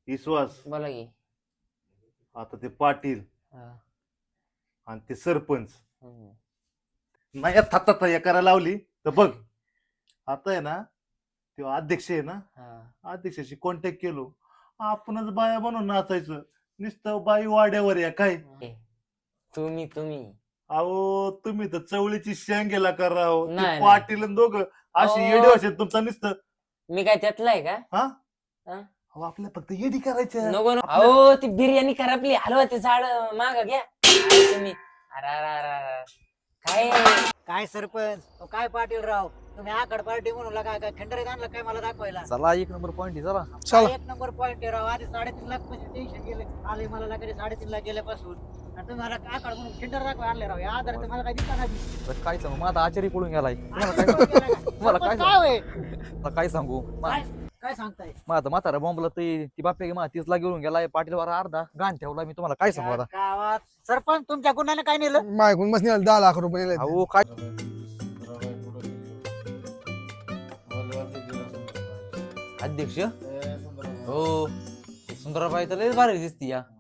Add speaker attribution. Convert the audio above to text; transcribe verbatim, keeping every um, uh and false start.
Speaker 1: विश्वास
Speaker 2: बोला की.
Speaker 1: आता ते पाटील
Speaker 2: हा.
Speaker 1: आणि ते सरपंच
Speaker 2: हम्म.
Speaker 1: नाही थाता करायला लावली तर बघ. आता आहे ना तेव्हा अध्यक्ष आहे ना,
Speaker 2: हा.
Speaker 1: अध्यक्षाशी कॉन्टॅक्ट केलो, आपणच बाया बनून नाचायचं. नुसतं बाई वाड्यावर या काय.
Speaker 2: ए, तुम्ही तुम्ही
Speaker 1: अहो तुम्ही तर चवळीची शेंगेला कराव ते
Speaker 2: नाही, नाही.
Speaker 1: पाटील आणि दोघं अशी
Speaker 2: अहो.
Speaker 1: येडे असेल तुमचा नुसतं.
Speaker 2: मी काय त्यातला आहे का?
Speaker 1: हा
Speaker 2: हा?
Speaker 1: अहो आपल्या फक्त येडी करायचं.
Speaker 2: नको नको. अहो ती बिर्याणी खराबली हलवाचे झाड माग घ्या. अरे तुम्ही अरे अरे अरे अरे. काय
Speaker 3: काय सरपंच अहो, काय पाटील राव तुम्ही आकड पार्टी म्हणून काय काय खंडरीत आणलं काय मला दाखवायला.
Speaker 4: चला एक नंबर पॉइंट आहे चला.
Speaker 3: काय एक नंबर पॉईंट आहे राव. आधी साडेतीन लाख पैसे टेन्शन गेले आले मला लागले साडेतीन लाख गेल्यापासून आणि तुम्ही मला आकड म्हणून खिंडर दाखवा आणले राव. या आधार मला काय दिसता नाही.
Speaker 4: तर काय सांगू माझा आचारी पळून गेलाय. तुम्हाला
Speaker 3: आधी
Speaker 4: काय
Speaker 3: कोण केलं का?
Speaker 4: तुम्हाला काय
Speaker 3: सरपंच काय होय?
Speaker 4: आता काय सांगू
Speaker 3: काय काय सांगताय
Speaker 4: माझा म्हातारा बॉम्बला ती ती बाप्या मा तीस ला घेऊन गेलाय. पाटीलवर अर्धा गाण ठेवला. मी तुम्हाला काय सांगू आता.
Speaker 3: गावात सरपंच तुमच्या गुन्ह्याने काय नेलं.
Speaker 5: मायकून बस दहा लाख रुपये नेले.
Speaker 4: अहो काय अध्यक्ष हो सुंदराबाई तर लय भारी दिसती या.